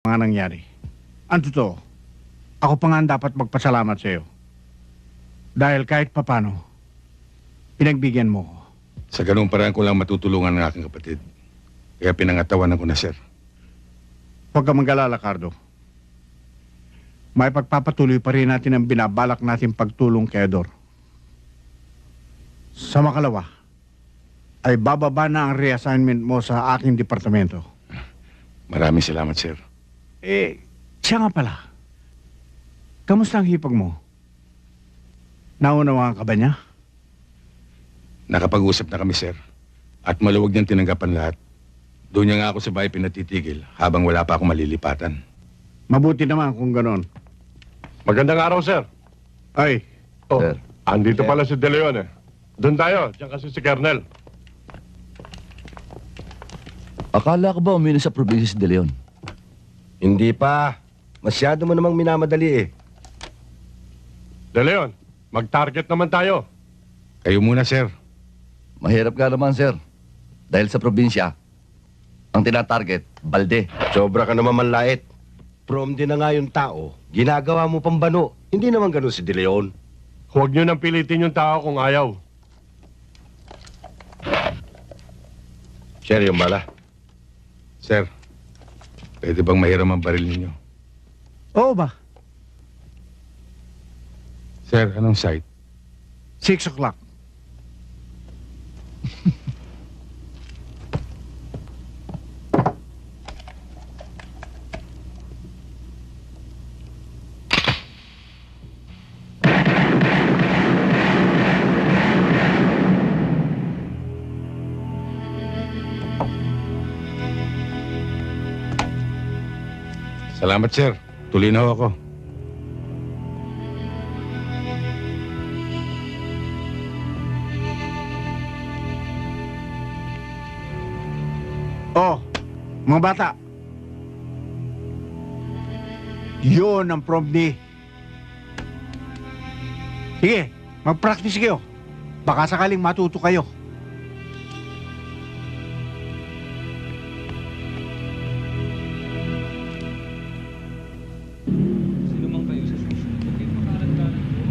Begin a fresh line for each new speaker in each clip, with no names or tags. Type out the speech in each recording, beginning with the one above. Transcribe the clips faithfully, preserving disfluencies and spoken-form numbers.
mga nangyari. Ang totoo, ako pa nga ang dapat magpasalamat sa iyo. Dahil kahit papano, pinagbigyan mo ko.
Sa ganung paraan ko lang matutulungan ng aking kapatid. Kaya pinangatawanan ko na, sir.
Huwag ka mag-alala, Cardo. May pagpapatuloy pa rin natin ang binabalak natin pagtulong kay Ador. Sa makalawa, ay bababa na ang reassignment mo sa aking departamento.
Maraming salamat, sir.
Eh, siya nga pala. Kamusta ang hipag mo? Naunawaan ka ba niya?
Nakapag-usap na kami, sir. At maluwag niyang tinanggapan lahat. Doon niya nga ako sa bahay pinatitigil habang wala pa akong malilipatan.
Mabuti naman kung ganon.
Magandang araw, sir.
Ay,
Oh,
Sir.
andito
Sir.
pala si De Leon, eh. Doon tayo. Diyan kasi si Kernel.
Akala ko ba umino sa probinsya si De Leon?
Hindi pa. Masyado mo namang minamadali eh.
De Leon, mag-target naman tayo.
Kayo muna, sir.
Mahirap ka naman, sir. Dahil sa probinsya, ang tinatarget, balde.
Sobra ka naman manlait. Prom din na nga yung tao. Ginagawa mo pang bano. Hindi naman ganun si De Leon.
Huwag nyo nang pilitin yung tao kung ayaw.
Sir, yung bala.
Sir, pwede bang mahiram ang baril ninyo?
oo ba?
Sir, anong site?
Six o'clock.
Salamat, sir. Tuloy na ho ako.
Oh, mga bata. Yun ang prom day. Sige, mag-practice kayo. Baka sakaling matuto kayo.
Sino mang kayo sa susunod, huwag kayong makalandalan po.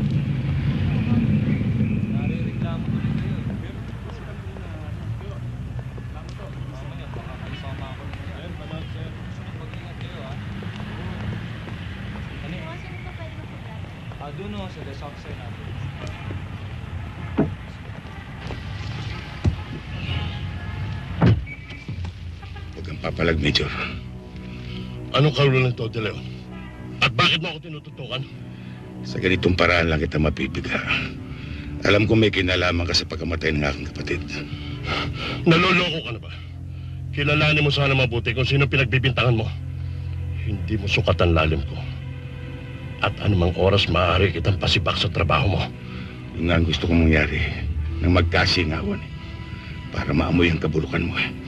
Nare-reklamo ko rin kayo. Pero kasi kami na reklamo to. Mamaya, baka kayo sama ako na yan. Malag, sir. Susunod, mag-ingat kayo, ha? Ano yun? Ah, doon o, sa the south side natin.
Huwag kang papalag, Major.
Anong karulo nito, De Leon? At bakit mo ako tinututukan?
Sa ganitong paraan lang kita mapibiga. Alam ko may kinalaman ka sa pagkamatay ng aking kapatid.
Naloloko ka na ba? Kilalanin mo sana mabuti kung sino pinagbibintangan mo. Hindi mo sukat ang lalim ko. At anumang oras maaari kitang pasibak sa trabaho mo.
Yun nga ang gusto kong mangyari nang magkasingawan eh. Para maamoy ang kabulukan mo eh.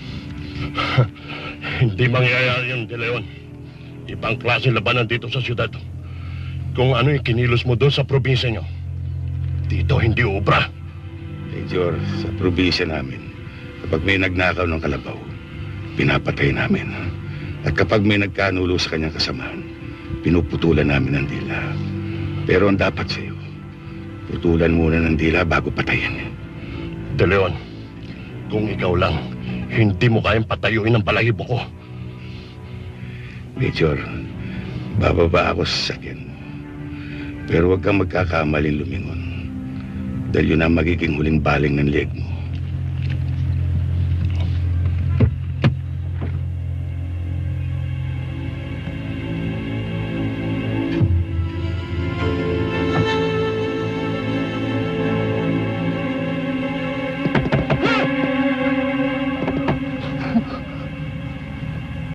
Hindi mangyayari yun, De Leon. Ibang klase labanan dito sa syudad. Kung ano yung kinilos mo doon sa probinsya nyo, dito hindi ubra.
Major, sa probinsya namin, kapag may nagnakaw ng kalabaw, pinapatay namin. At kapag may nagkanulo sa kanyang kasamahan, pinuputulan namin ang dila. Pero ang dapat sa'yo, putulan muna ng dila bago patayin.
De Leon, kung ikaw lang, hindi mo kayang patayuin ang balahibo ko.
Major, bababa ako sa sakyan. Pero huwag kang magkakamaling lumingon. Dahil yun ang magiging huling baling ng leg mo.